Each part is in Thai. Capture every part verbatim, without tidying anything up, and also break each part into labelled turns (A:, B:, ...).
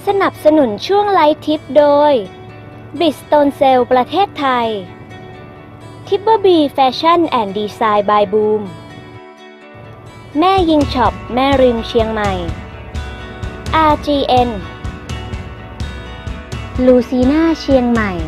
A: นับสนุนช่วงไลฟ์ทิปโดย Bridgestone Sale ประเทศไทย Tipper B Fashion and Design by Boom แม่ยิงช็อปแม่ริมเชียงใหม่ อาร์ จี เอ็น ลูซีน่าเชียงใหม่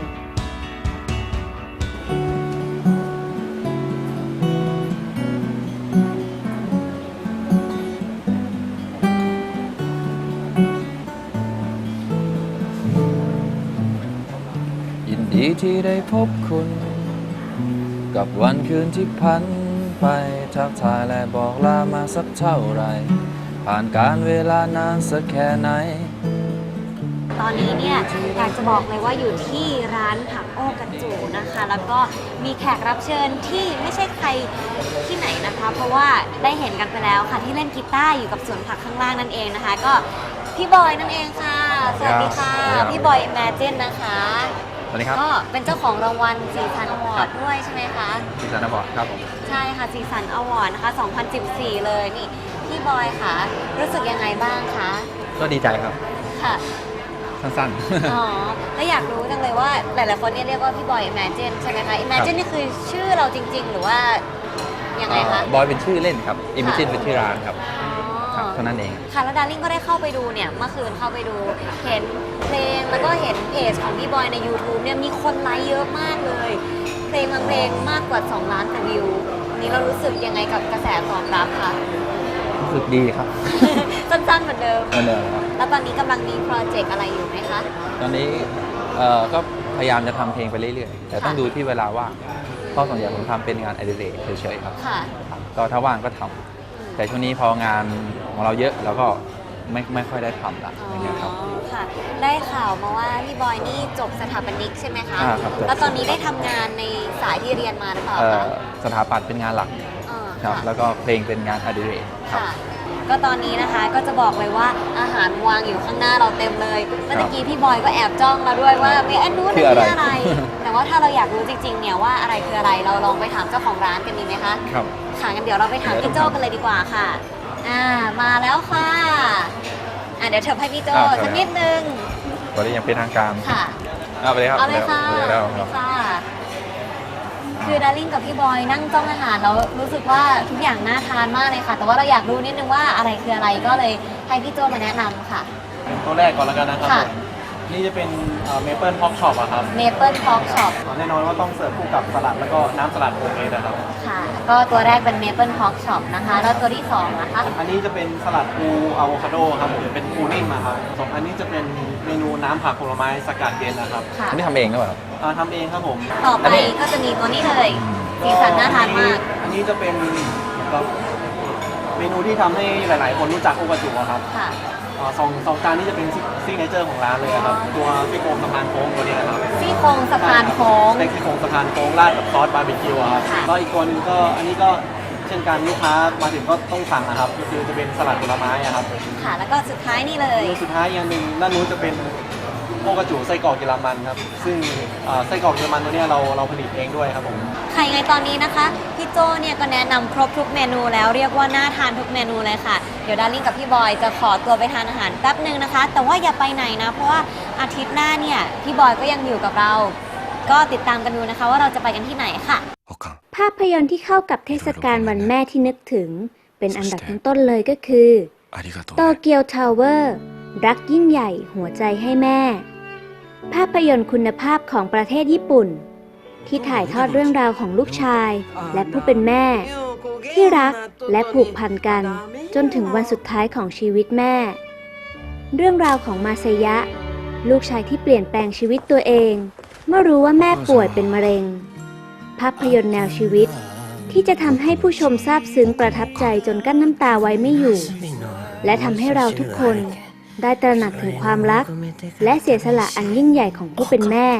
B: ยินดีที่ได้พบคุณกับวันคืนที่พันไปทักทายและบอกลามาสักเท่าไรผ่านการเวลานานสักแค่ไหน
C: ตอนนี้เนี่ยอยากจะบอกเลยว่าอยู่ที่ร้านผักโอ้กระจูนะคะ แล้วก็มีแขกรับเชิญที่ไม่ใช่ใครที่ไหนนะคะ เพราะว่าได้เห็นกันไปแล้วค่ะที่เล่นกีตาร์อยู่กับสวนผักข้างล่างนั่นเองนะคะ ก็พี่บอยนั่นเองค่ะสวัสดีค่ะพี่บอย Imagine นะคะ
B: สวัสดีครับ
C: ก็เป็นเจ้าของรางวัลสีสันอวอร์ดด้วยใช่ไหมคะ
B: สีสันอวอร์ดครับผม
C: ใช่ค่ะสีสันอวอร์ดนะคะสองพันสิบสี่เลยนี่พี่บอยค่ะรู้สึกยังไงบ้างคะ
B: ก็ดีใจครับ
C: ค่ะ
B: สั้น
C: ๆอ๋อแล้วอยากรู้จังเลยว่าหลายๆคนเนี่ยเรียกว่าพี่บอย Imagine ใช่ไหมคะ Imagine นี่คือชื่อเราจริงๆหรือว่ายังไงคะ
B: บอยเป็นชื่อเล่นครับ Imagine เป็นชื่อร้านครับเท่านั้นเอง
C: ค่ะแล้วดาริ่งก็ได้เข้าไปดูเนี่ยเมื่อคืนเข้าไปดูเห็นเพลงแล้วก็เห็นเพจของพี่บอยใน YouTube เนี่ยมีคนไลค์เยอะมากเลยเพลงบางเพลงมากกว่าสองล้านกว่าวิวนี้เรารู้สึกยังไงกับกระแสตอบรับคะ
B: รู้สึกดีครับ
C: สั้นๆเหมือนเดิม
B: เหมือนเดิมครับ
C: แล้วตอนนี้กำลังมีโปรเจกต์อะไรอยู่ไหมคะ
B: ตอนนี้เอ่อก็พยายามจะทำเพลงไปเรื่อยๆแต่ต้องดูที่เวลาว่างเพราะส่วนใหญ่ผมทำเป็นงานอดิเรกเฉยๆครับก็ถ้าว่างก็ทำแต่ช่วงนี้พองานของเราเยอะเราก็ไม่ไม่ค่อยได้ทำละอย่างเงี้ยครับ
C: ค่ะได้ข่าวมาว่าพี่บอยนี่จบสถาปนิกใช่ไหมคะ
B: อ่าครับ
C: แล้วตอนนี้ได้ทำงานในสายที่เรียนมาหรือเปล่าคะ
B: สถาปัตย์เป็นงานหลักครับแล้วก็เพลงเป็นงานอดิเรก
C: ค่ะก็ตอนนี้นะคะก็จะบอกเลยว่าอาหารวางอยู่ข้างหน้าเราเต็มเลยเมื่อกี้พี่บอยก็แอบจ้องเราด้วยว่ามีอันนู้นนี่อะไรแต่ว่าถ้าเราอยากรู้จริงๆเนี่ยว่าอะไรคืออะไรเราลองไปถามเจ้าของร้านกันดีไหมคะ
B: ครับ
C: ค่ะงั้นเดี๋ยวเราไปถามพี่โจ้กันเลยดีกว่าค่ะอ่ามาแล้วค่ะอ่าเดี๋ยวเชิญให้พี่โจ้สักนิดนึง
B: ตอนนี้ยังเป็นทางการ
C: ค่ะ
B: เอาไปเลยครับ
C: เอาเลยค่ะค่ะคือดาริ่งกับพี่บอยนั่งจ้องอาหารแล้วรู้สึกว่าทุกอย่างน่าทานมากเลยค่ะแต่ว่าเราอยากรู้นิดนึงว่าอะไรคืออะไรก็เลยให้พี่โจ้มาแนะนำค่ะ
D: ตัวแรกก่อนแล้วกันนะครับนี่จะเป็นเมเปิลพ็อกช็อปอะครับ
C: เมเปิลพ็อกช็อป
D: แน่นอนว่าต้องเสิร์ฟคู่กับสลัดแล้วก็น้ำสลัดโฮมเมดนะครับ
C: ค่ะก็ตัวแรกเป็นเมเปิลพ็อกช็อปนะคะแล้วตัวที่สองนะคะ
D: อันนี้จะเป็นสลัดปูอะโวคาโดครับผมเป็นปูนิ่มครับสองอันนี้จะเป็นเมนูน้ำผักผลไม้สกัดเย็นนะครับ
B: อันนี้ทำเองหรือเปล่า
D: ทำเองครับผม
C: ต่อไปก็จะมีตัวนี้เลยสีสันน่าทานมาก
D: อันนี้จะเป็นเมนูที่ทำให้หลายๆคนรู้จักโอกาจูครับ
C: ค่ะ
D: สองสองจานนี้จะเป็นซิกเนเจอร์ของร้านเลยครับตัวซี่โครงสะพานโค้งตัวนี้ครับ
C: ซี่โครงสะพานโค้ง
D: สเต็กซี่โครงสะพานโค้งราดกับซอสบาร์บีคิวครับก็อีกตัวนึงก็อันนี้ก็เช่นกันลูกค้ามาถึงก็ต้องสั่งนะครับก็คือจะเป็นสลัดผลไม้ครับ
C: ค่ะแล้วก็สุดท้ายนี่เลย
D: สุดท้ายอย่างหนึ่งด้านนู้นจะเป็นโอกาจูไส้กรอกเยอรมันครับซึ่งไส้กรอกเยอรมันตัวนี้เราเราผลิตเองด้วยครับผม
C: ค่ะไงตอนนี้นะคะพี่โจเนี่ยก็แนะนำครบทุกเมนูแล้วเรียกว่าน่าทานทุกเมนูเลยค่ะเดี๋ยวดาริ่งกับพี่บอยจะขอตัวไปทานอาหารแป๊บนึงนะคะแต่ว่าอย่าไปไหนนะเพราะว่าอาทิตย์หน้าเนี่ยพี่บอยก็ยังอยู่กับเราก็ติดตามกันดูนะคะว่าเราจะไปกันที่ไหนค่ะ
A: ภาพยนตร์ที่เข้ากับเทศกาลวันแม่ที่นึกถึงเป็นอันดับต้นๆเลยก็คือโตเกียวทาวเวอร์รักยิ่งใหญ่หัวใจให้แม่ภาพยนตร์คุณภาพของประเทศญี่ปุ่นที่ถ่ายทอดเรื่องราวของลูกชายและผู้เป็นแม่ที่รักและผูกพันกันจนถึงวันสุดท้ายของชีวิตแม่เรื่องราวของมาเซยะลูกชายที่เปลี่ยนแปลงชีวิตตัวเองเมื่อรู้ว่าแม่ป่วยเป็นมะเร็งภาพยนตร์แนวชีวิตที่จะทำให้ผู้ชมซาบซึ้งประทับใจจนกั้นน้ำตาไว้ไม่อยู่และทำให้เราทุกคนได้ตระหนักถึงความรักและเสียสละอันยิ่งใหญ่ของผู้เป็นแม่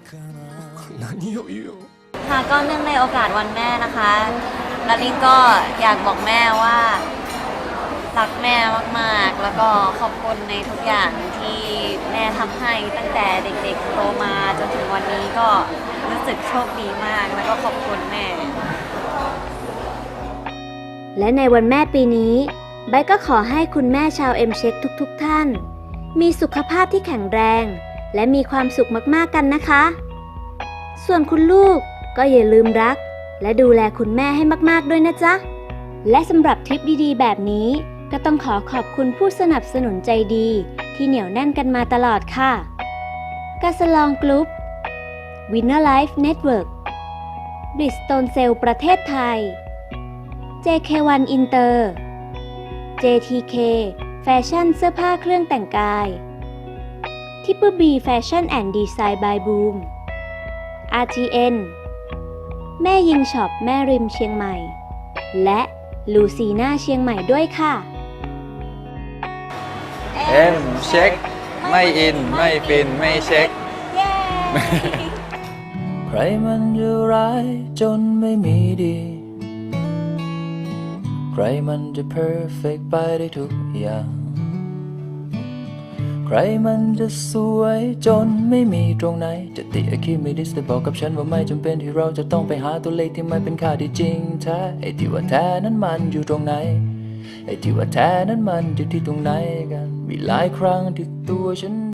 C: ค่ะก็เนื่องในโอกาสวันแม่นะคะดาริ่งก็อยากบอกแม่ว่ารักแม่มากๆแล้วก็ขอบคุณในทุกอย่างที่แม่ทำให้ตั้งแต่เด็กๆโตมาจนถึงวันนี้ก็รู้สึกโชคดีมากแล้วก็ขอบคุณแม่
A: และในวันแม่ปีนี้ไบก็ขอให้คุณแม่ชาวเอ็มเช็คทุกๆท่านมีสุขภาพที่แข็งแรง และมีความสุขมากๆกันนะคะ ส่วนคุณลูกก็อย่าลืมรัก และดูแลคุณแม่ให้มากๆด้วยนะจ๊ะ และสำหรับทริปดีๆแบบนี้ก็ต้องขอขอบคุณผู้สนับสนุนใจดีที่เหนียวแน่นกันมาตลอดค่ะกาสลองกรุ๊ป Winner Life Network บริสโตนเซลประเทศไทย เจ เค วัน Inter เจ ที เค แฟชั่นเสื้อผ้าเครื่องแต่งกาย ทิปเปอร์บีแฟชั่นแอนด์ดีไซน์บายบูม อาร์ ที เอ็น แม่ยิงช็อปแม่ริมเชียงใหม่ และลูซีน่าเชียงใหม่ด้วยค่ะ
B: เอ็มเช็ค ไม่อิน ไม่ฟิน ไม่เช็ค
C: เย้
E: ใครมันจะร้ายจนไม่มีดี ใครมันจะเพอร์เฟกไปได้ทุกอย่าง ใครมันจะสวยจนไม่มีตรงไหน จะติอะคิมิดิสแต่บอกกับฉันว่าไม่จำเป็นที่เราจะต้องไปหาตัวเลขที่มันเป็นค่าที่จริงแท้ไอ้ที่ว่าแท้นั้นมันอยู่ตรงไหน ไอ้ที่ว่าแท้นั้นมันอยู่ที่ตรงไหนกัน มีหลายครั้งที่ตัวฉัน